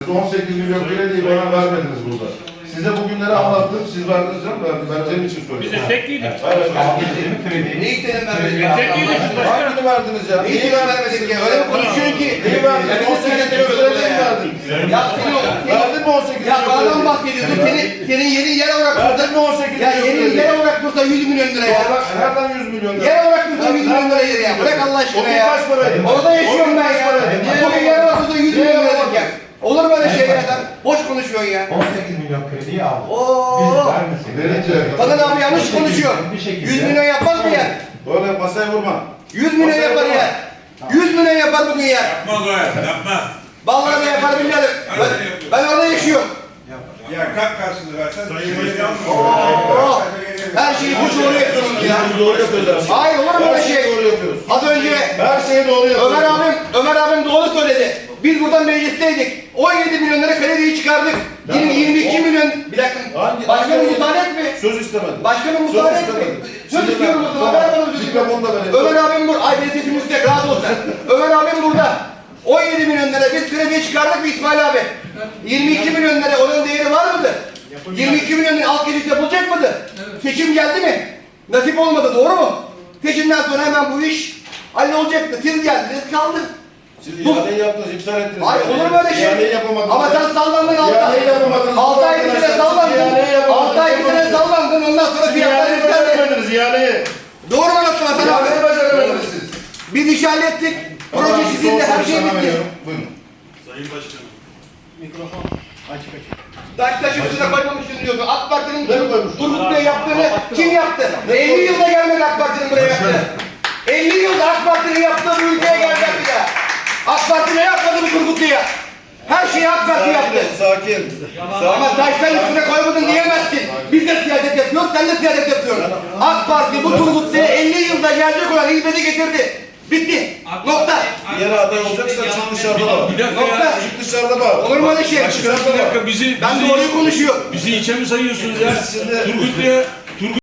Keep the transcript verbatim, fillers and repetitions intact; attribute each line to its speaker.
Speaker 1: on sekiz milyon krediyi bana vermediniz burada. Size bugünleri anlattım, siz verdiniz canım, ben senin için söyledim.
Speaker 2: Biz de tekliydik.
Speaker 1: Evet,
Speaker 3: Ne istedim vermedik?
Speaker 2: Tekliydik biz başkanım.
Speaker 1: hangini verdiniz ya?
Speaker 3: Neyi istedim vermedik ya? Öyle bir konuşuyorsun ki.
Speaker 1: Neyi verdiniz? on sekiz milyon krediyi mi verdin?
Speaker 3: Ya seni o...
Speaker 1: Verdin mi on sekiz
Speaker 3: Ya
Speaker 1: milyon
Speaker 3: bana
Speaker 1: krediyi?
Speaker 3: bahsediyorsun. Senin, senin yerin yer olarak
Speaker 1: Verdin
Speaker 3: dursa...
Speaker 1: mi on sekiz
Speaker 3: Ya
Speaker 1: milyon
Speaker 3: yerin
Speaker 1: krediyi?
Speaker 3: yer olarak dursa yüz milyon lira ya.
Speaker 1: Nereden yüz milyon lira?
Speaker 3: Yer olarak dursa yüz milyon lira yeri ya. Bırak Allah
Speaker 1: O
Speaker 3: aşkına
Speaker 1: gün
Speaker 3: ya.
Speaker 1: kaç paraydı?
Speaker 3: Orada yaşıyorum
Speaker 1: O gün
Speaker 3: ben
Speaker 1: kaç
Speaker 3: ya.
Speaker 1: paraydı? Niye
Speaker 3: Bugün yer olarak dursa yüz
Speaker 1: Niye
Speaker 3: milyon lira
Speaker 1: yapamadın?
Speaker 3: ya. Olur böyle şey ya sen. Boş konuşuyorsun ya.
Speaker 4: on sekiz milyon krediyi aldı.
Speaker 3: Oo.
Speaker 4: Biz vermesek.
Speaker 1: Verince.
Speaker 3: Kadın abi yanlış konuşuyor.
Speaker 4: Bir şekilde-
Speaker 3: yüz milyon yapmaz mı ya?
Speaker 1: Böyle masaya vurma.
Speaker 3: yüz milyon
Speaker 1: Masaya
Speaker 3: yapar
Speaker 1: vurma.
Speaker 3: ya. yüz milyon yapar bugün ya.
Speaker 5: Yapmaz o ya, yapmaz.
Speaker 3: Vallahi de yapar billahi. Ben, ben orada yaşıyorum.
Speaker 5: Ya kalk karşını versen. Sayın Başkanım.
Speaker 3: Oo. Her şeyi bu doğru yapıyorsunuz ya.
Speaker 1: Biz doğru yapıyoruz.
Speaker 3: Hayır olur mu
Speaker 1: Her
Speaker 3: böyle
Speaker 1: şeyi
Speaker 3: şey?
Speaker 1: doğru yapıyoruz.
Speaker 3: Az önce
Speaker 1: Her şeyi doğru yapıyoruz.
Speaker 3: Ömer abim, Ömer abim doğru söyledi. Biz buradan meclisteydik. on yedi milyon lira krediyi çıkardık. yirmi, yirmi iki milyon. Bir dakika.
Speaker 1: Hangi-
Speaker 3: Başkanım
Speaker 1: hangi-
Speaker 3: müsaade etme.
Speaker 1: Söz istemedim.
Speaker 3: Başkanım
Speaker 1: Söz
Speaker 3: müsaade etme.
Speaker 1: istemedim.
Speaker 3: Söz
Speaker 1: Şimdi
Speaker 3: istiyorum
Speaker 1: ben-
Speaker 3: o zaman. Ver bana sözü.
Speaker 1: Mikrofonu da verelim.
Speaker 3: Ömer abim burada. Ay benim sesim yüksek. Rahat ol sen. Ömer abim burada. on yedi milyon lira biz krediyi çıkardık mı İsmail abi? yirmi iki milyon lira onun değeri var mıdır? yirmi iki milyon lira alt geçit yapılacak mıdır? Seçim geldi mi? Nasip olmadı, doğru mu? Seçimden sonra hemen bu iş hallolacaktı. Siz geldiniz, kaldı.
Speaker 1: Siz
Speaker 3: Bu-
Speaker 1: ihaleyi yaptınız, iptal ettiniz.
Speaker 3: Ay olur mu öyle şey?
Speaker 1: İhaleyi yapamadınız.
Speaker 3: Ama sen sallandın altı ay.
Speaker 1: İhaleyi yapamadınız.
Speaker 3: altı ay bir sene
Speaker 1: Arkadaşlar,
Speaker 3: sallandın.
Speaker 1: siz ihaleyi yapamadınız.
Speaker 3: altı ay bir sene sallandın. Ondan sonra
Speaker 1: Siz
Speaker 3: fiyatlar
Speaker 1: ihaleyi
Speaker 3: yükseldi.
Speaker 1: beceremediniz, ihaleyi.
Speaker 3: Doğru mu anlattın Hasan
Speaker 1: İhaleyi
Speaker 3: abi?
Speaker 1: beceremediniz siz.
Speaker 3: Biz iş hallettik.
Speaker 1: Ama
Speaker 3: Proje
Speaker 1: ben
Speaker 3: sizin de
Speaker 1: son
Speaker 3: her şey
Speaker 1: soru sana
Speaker 3: bitti.
Speaker 1: veriyorum. Buyurun.
Speaker 5: Sayın Başkanım.
Speaker 3: Taş taş üstüne koymamışsın diyordu. AK Parti'nin
Speaker 1: Ne koymuş?
Speaker 3: Turgut Bey yaptığını kim yaptı? elli yılda gelmedi AK Parti'nin buraya yaptığı. elli yılda AK Parti'nin yaptığı bu ülkeye gelecek bir daha. AK Parti ne yapmadı bu Turgut Bey'e? Her şeyi AK Parti yaptı.
Speaker 1: Sakin.
Speaker 3: Ama taştan üstüne koymadın diyemezsin. Biz de siyaset yapıyoruz, sen de siyaset yapıyorsun. AK Parti bu Turgut Bey'e elli yılda gelecek olan hizmeti getirdi. Bitti. Nokta.
Speaker 1: Yeni aday olacaksa çık dışarıda da.
Speaker 2: Bir dakika
Speaker 3: Nokta.
Speaker 2: ya.
Speaker 1: Çık dışarıda bak.
Speaker 3: Olur mu öyle şey?
Speaker 1: Dışarıda
Speaker 2: Bir
Speaker 1: bak.
Speaker 2: dakika bizi,
Speaker 3: Ben
Speaker 2: bizi,
Speaker 3: doğruyu konuşuyorum.
Speaker 2: bizi içe mi sayıyorsunuz ya?
Speaker 1: Biz şimdi-
Speaker 2: Turgut Bey'e, Turgut